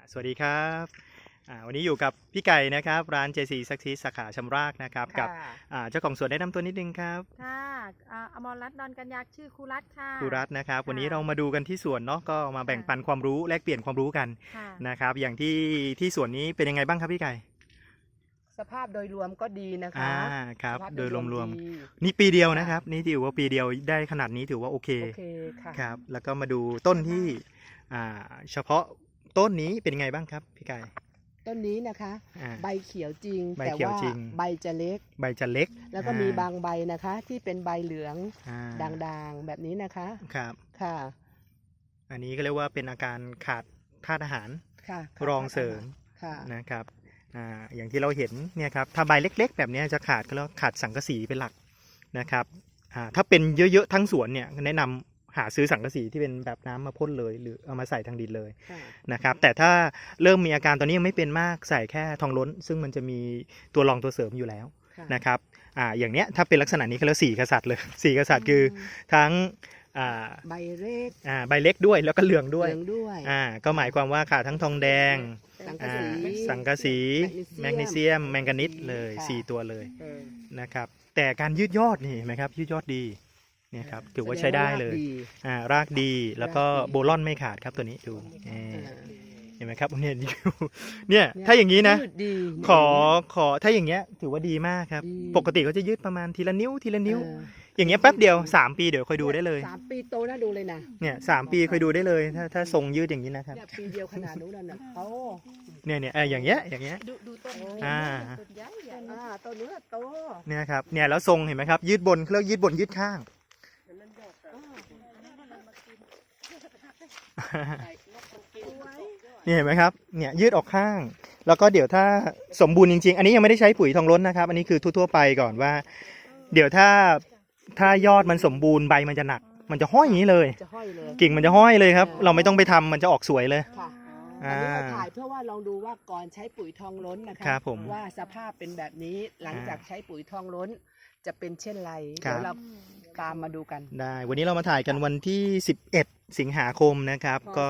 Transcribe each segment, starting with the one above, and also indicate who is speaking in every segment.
Speaker 1: สวัสดีครับวันนี้อยู่กับพี่ไก่นะครับร้าน JC Success สาขาชำรากนะครับกับเจ้าของสวนแนะนำตัวนิดนึงครับ
Speaker 2: ค่ะอมรรัตน์ดอนกัญญาชื่อครูรัตน์ค่ะ
Speaker 1: ครูรัตน์นะครับวันนี้เรามาดูกันที่สวนเนาะก็มาแบ่งปันความรู้แลกเปลี่ยนความรู้กันนะครับอย่างที่สวนนี้เป็นยังไงบ้างครับพี่ไก่
Speaker 3: สภาพโดยรวมก็ดีนะคะ
Speaker 1: ครับโดยรวมๆนี่ปีเดียวนะครับนี่ถือว่าปีเดียวได้ขนาดนี้ถือว่าโอเค
Speaker 3: ค่ะ
Speaker 1: ครับแล้วก็มาดูต้นที่เฉพาะต้นนี้เป็นยังไงบ้างครับพี่ไก่
Speaker 3: ต้นนี้นะคะใบเขียวจริง
Speaker 1: แต่
Speaker 3: ว่าใบจะเล็กแล้วก็มีบางใบนะคะที่เป็นใบเหลืองด่างๆแบบนี้นะคะ
Speaker 1: ครับ
Speaker 3: ค่ะ
Speaker 1: อันนี้ก็เรียกว่าเป็นอาการขาดธาตุอาหารรองเสริมนะครับอย่างที่เราเห็นเนี่ยครับถ้าใบเล็กๆแบบนี้จะขาดก็แล้วขาดสังกะสีเป็นหลักนะครับถ้าเป็นเยอะๆทั้งสวนเนี่ยแนะนำหาซื้อสังกะสีที่เป็นแบบน้ำมาพ่นเลยหรือเอามาใส่ทางดินเลยนะครับแต่ถ้าเริ่มมีอาการตอนนี้ยังไม่เป็นมากใส่แค่ทองล้นซึ่งมันจะมีตัวรองตัวเสริมอยู่แล้วนะครับอย่างเนี้ยถ้าเป็นลักษณะนี้เขาเรียก4 กษัตริย์เลย4 กษัตริย์คือทั้ง
Speaker 3: ใบเ
Speaker 1: ล็กด้วยแล้วก็เหลืองด้วย
Speaker 3: ก็
Speaker 1: หมายความว่าขาดทั้งทองแดงสังกะสีแมกนีเซียมแมงกานิสเลย4 ตัวเลยนะครับแต่การยืดยอดนี่เห็นไหมครับยืดยอดดีเนี่ยครับถือว่าใช้ได้เลยรากดีแล้วก็โบลอนไม่ขาดครับตัวนี้ดูเห็นไหมครับเนี่ยถ้าอย่างนี้นะขอถ้าอย่างเงี้ยถือว่าดีมากครับปกติเขาจะยืดประมาณทีละนิ้วอย่างเงี้ยแป๊บเดียว3 ปีเดี๋ยวค่อยดูได้เลย
Speaker 3: 3 ปีโตน่าดูเลยนะ
Speaker 1: เนี่ย3 ปีค่อยดูได้เลยถ้าทรงยืดอย่างนี้นะครับ
Speaker 3: ปีเดียวขนาดนู้นน่ะโต
Speaker 1: เนี่ยอย่างเงี้ย
Speaker 2: ดูต้นต้น
Speaker 3: เนื้อโต
Speaker 1: เนี่ยครับเนี่ยแล้วทรงเห็นไหมครับยืดบนเขาเรียกยืดบนยืดข้างนี่เห็นไหมครับเนี่ยยืดออกข้างแล้วก็เดี๋ยวถ้าสมบูรณ์จริงๆอันนี้ยังไม่ได้ใช้ปุ๋ยทองล้นนะครับอันนี้คือทั่วๆไปก่อนว่าเดี๋ยวถ้ายอดมันสมบูรณ์ใบมันจะหนักมันจะห้อยอย่างนี้เลยกิ่งมันจะห้อยเลยครับเราไม่ต้องไปทำมันจะออกสวยเลย
Speaker 3: อันนี้เราถ่ายเพื่อว่าลองดูว่าก่อนใช้ปุ๋ยทองล้นนะคะว่าสภาพเป็นแบบนี้หลังจากใช้ปุ๋ยทองล้นจะเป็นเช่นไรเดี๋ยวเราตามมาดูกัน
Speaker 1: ได้วันนี้เรามาถ่ายกันวันที่11 สิงหาคมนะครับก็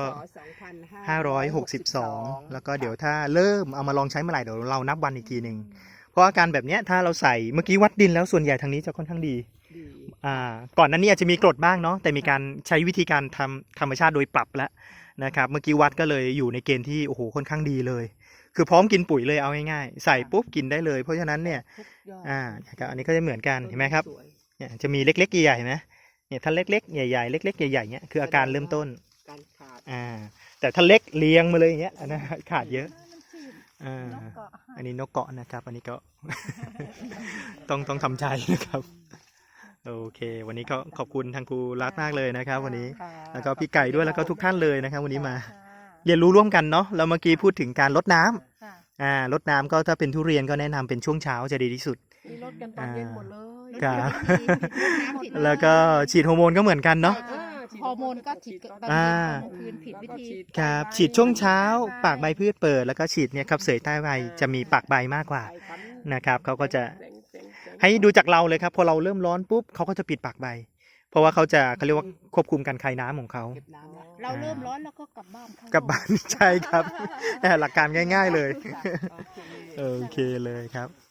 Speaker 1: 562แล้วก็เดี๋ยวถ้าเริ่มเอามาลองใช้เมื่อไหร่เดี๋ยวเรานับวันอีกทีหนึ่งเพราะอาการแบบนี้ถ้าเราใส่เมื่อกี้วัดดินแล้วส่วนใหญ่ทางนี้จะค่อนข้างดีก่อนนั้นนี่อาจจะมีกรดบ้างเนาะแต่มีการใช้วิธีการทำธรรมชาติโดยปรับแล้วนะครับเมื่อกี้วัดก็เลยอยู่ในเกณฑ์ที่โอ้โหค่อนข้างดีเลยคือพร้อมกินปุ๋ยเลยเอาง่ายๆใส่ปุ๊บกินได้เลยเพราะฉะนั้นเนี่ยอันนี้ก็จะเหมือนกันเห็นไหมครับเนี่ยจะมีเล็กๆใหญ่ๆนะเนี่ยถ้าเล็กๆใหญ่ๆเล็กๆใหญ่ๆเนี่ยคืออาการเริ่มต้นแต่ถ้าเล็กเลี้ยงมาเลยอย่างเงี้ยนะขาดเยอะอันนี้นกเกาะนะครับอันนี้ก็ ต้องทำใจนะครับโอเควันนี้ก็ขอบคุณทางครูรัตน์มากเลยนะครับวันนี้แล้วก็พี่ไก่ด้วยแล้วก็ทุกท่านเลยนะครับวันนี้มาเรียนรู้ร่วมกันเนาะแล้วเมื่อกี้พูดถึงการรดน้ำรดน้ำก็ถ้าเป็นทุเรียนก็แนะนำเป็นช่วงเช้าจะดีที่สุด
Speaker 2: รดกันตอนเย็นหมดเลย
Speaker 1: ครับแล้วก็ฉีดฮอร์โมนก็เหมือนกันเนาะ
Speaker 2: ฮอร์โมนก็ฉีดตอนคืนผิดวิธี
Speaker 1: ครับฉีดช่วงเช้าปากใบพืชเปิดแล้วก็ฉีดเนี่ยครับเสยใต้ใบจะมีปากใบมากกว่านะครับเขาก็จะให้ดูจากเราเลยครับพอเราเริ่มร้อนปุ๊บเขาก็จะปิดปากใบเพราะว่าเขาเรียกว่าควบคุมการคายน้ำของเขา
Speaker 2: เราเริ่มร้อนแล้วก็กลับบ้าน
Speaker 1: ใช่ครับหลักการง่ายๆเลยโอเคเลยครับ